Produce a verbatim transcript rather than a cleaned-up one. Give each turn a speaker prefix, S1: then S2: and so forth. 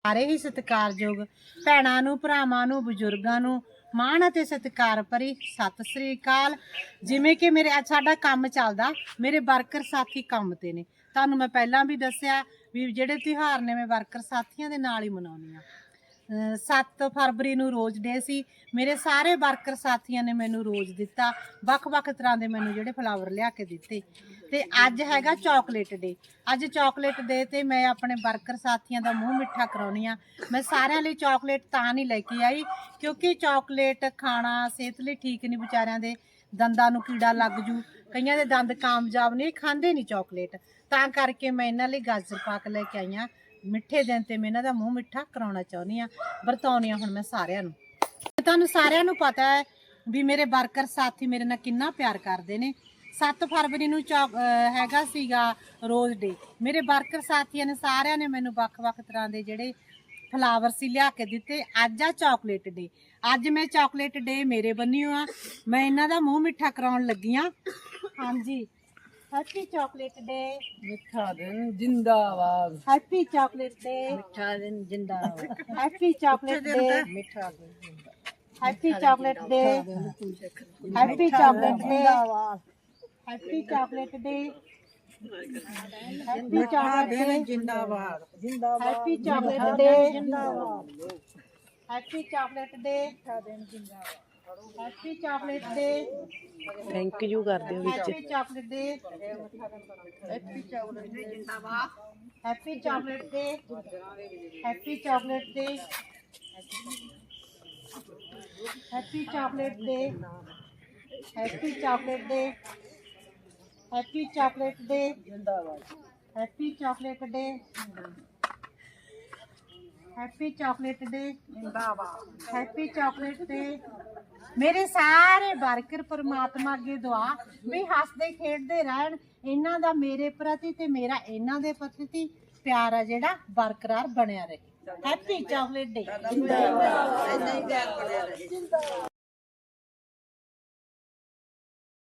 S1: ਸਾਰੇ ਹੀ ਸਤਿਕਾਰਯੋਗ ਭੈਣਾਂ ਨੂੰ, ਭਰਾਵਾਂ ਨੂੰ, ਬਜ਼ੁਰਗਾਂ ਨੂੰ ਮਾਣ ਅਤੇ ਸਤਿਕਾਰ ਭਰੀ ਸਤਿ ਸ੍ਰੀ ਅਕਾਲ। ਜਿਵੇਂ ਕਿ ਮੇਰੇ ਅੱਜ ਸਾਡਾ ਕੰਮ ਚੱਲਦਾ, ਮੇਰੇ ਵਰਕਰ ਸਾਥੀ ਕੰਮ ਤੇ ਨੇ। ਤੁਹਾਨੂੰ ਮੈਂ ਪਹਿਲਾਂ ਵੀ ਦੱਸਿਆ ਵੀ ਜਿਹੜੇ ਤਿਉਹਾਰ ਨੇ ਮੈਂ ਵਰਕਰ ਸਾਥੀਆਂ ਦੇ ਨਾਲ ਹੀ ਮਨਾਉਂਦੀ ਹਾਂ। ਸੱਤ ਫਰਵਰੀ ਨੂੰ ਰੋਜ਼ ਡੇ ਸੀ। ਮੇਰੇ ਸਾਰੇ ਵਰਕਰ ਸਾਥੀਆਂ ਨੇ ਮੈਨੂੰ ਰੋਜ਼ ਦਿੱਤਾ, ਵੱਖ-ਵੱਖ ਤਰ੍ਹਾਂ ਦੇ ਮੈਨੂੰ ਜਿਹੜੇ ਫਲਾਵਰ ਲਿਆ ਕੇ ਦਿੱਤੇ। ਤੇ ਅੱਜ ਹੈਗਾ ਚਾਕਲੇਟ ਡੇ। ਅੱਜ ਚਾਕਲੇਟ ਡੇ ਤੇ ਮੈਂ ਆਪਣੇ ਵਰਕਰ ਸਾਥੀਆਂ ਦਾ ਮੂੰਹ ਮਿੱਠਾ ਕਰਾਉਣੀ ਆ। ਮੈਂ ਸਾਰਿਆਂ ਲਈ ਚਾਕਲੇਟ ਤਾਂ ਨਹੀਂ ਲੈ ਕੇ ਆਈ ਕਿਉਂਕਿ ਚਾਕਲੇਟ ਖਾਣਾ ਸਿਹਤ ਲਈ ਠੀਕ ਨਹੀਂ, ਵਿਚਾਰਿਆਂ ਦੇ ਦੰਦਾਂ ਨੂੰ ਕੀੜਾ ਲੱਗ ਜੂ, ਕਈਆਂ ਦੇ ਦੰਦ ਕਾਮਯਾਬ ਨਹੀਂ, ਖਾਂਦੇ ਨਹੀਂ ਚਾਕਲੇਟ। ਤਾਂ ਕਰਕੇ ਮੈਂ ਇਹਨਾਂ ਲਈ ਗਾਜਰ ਪਾਕ ਲੈ ਕੇ ਆਈ ਹਾਂ। ਮਿੱਠੇ ਦਿਨ ਤੇ ਮੈਂ ਇਹਨਾਂ ਦਾ ਮੂੰਹ ਮਿੱਠਾ ਕਰਾਉਣਾ ਚਾਹੁੰਦੀ ਆ, ਵਰਤਾਉਣੀ ਆ ਹੁਣ ਮੈਂ ਸਾਰਿਆਂ ਨੂੰ। ਤੁਹਾਨੂੰ ਸਾਰਿਆਂ ਨੂੰ ਪਤਾ ਹੈ ਵੀ ਮੇਰੇ ਵਰਕਰ ਸਾਥੀ ਮੇਰੇ ਨਾਲ ਕਿੰਨਾ ਪਿਆਰ ਕਰਦੇ ਨੇ। ਸੱਤ ਫਰਵਰੀ ਨੂੰ ਚੌਕ ਹੈਗਾ ਸੀਗਾ ਰੋਜ਼ ਡੇ। ਮੇਰੇ ਵਰਕਰ ਸਾਥੀਆਂ ਨੇ ਸਾਰਿਆਂ ਨੇ ਮੈਨੂੰ ਵੱਖ-ਵੱਖ ਤਰ੍ਹਾਂ ਦੇ ਜਿਹੜੇ ਫਲਾਵਰ ਸੀ ਲਿਆ ਕੇ ਦਿੱਤੇ। ਅੱਜ ਆ ਚਾਕਲੇਟ ਡੇ। ਅੱਜ ਮੈਂ ਚਾਕਲੇਟ ਡੇ ਮੇਰੇ ਬੰਨਿਓ ਆ, ਮੈਂ ਇਹਨਾਂ ਦਾ ਮੂੰਹ ਮਿੱਠਾ ਕਰਾਉਣ ਲੱਗੀ ਆ। ਹਾਂਜੀ, हैप्पी चॉकलेट डे।
S2: मिठा दिन जिंदाबाद।
S1: Happy chocolate day.
S2: मिठा दिन जिंदाबाद।
S1: Happy chocolate day.
S2: मिठा दिन जिंदाबाद।
S1: Happy chocolate day. Happy chocolate day. Happy chocolate day. Happy chocolate day
S2: जिंदाबाद।
S1: Happy chocolate day. Happy chocolate day. Happy chocolate day.
S2: Thank you कर दो विच।
S1: Happy chocolate day.
S2: Happy chocolate day जिंदाबाद।
S1: Happy chocolate day. Happy chocolate day. Happy chocolate day. Happy chocolate day. Happy chocolate day
S2: जिंदाबाद।
S1: Happy chocolate day. Happy chocolate day
S2: जिंदाबाद।
S1: Happy chocolate day. ਮੇਰੇ ਸਾਰੇ worker ਪਰਮਾਤਮਾ ਅੱਗੇ ਦੁਆ ਵੀ ਹੱਸਦੇ ਖੇਡਦੇ ਰਹਿਣ, ਇਹਨਾਂ ਦਾ ਮੇਰੇ ਪ੍ਰਤੀ ਤੇ ਮੇਰਾ ਇਹਨਾਂ ਦੇ ਪ੍ਰਤੀ ਪਿਆਰ ਆ ਜਿਹੜਾ ਬਰਕਰਾਰ ਬਣਿਆ ਰਹੇ। ਹੈਪੀ ਚਾਕਲੇਟ ਡੇ।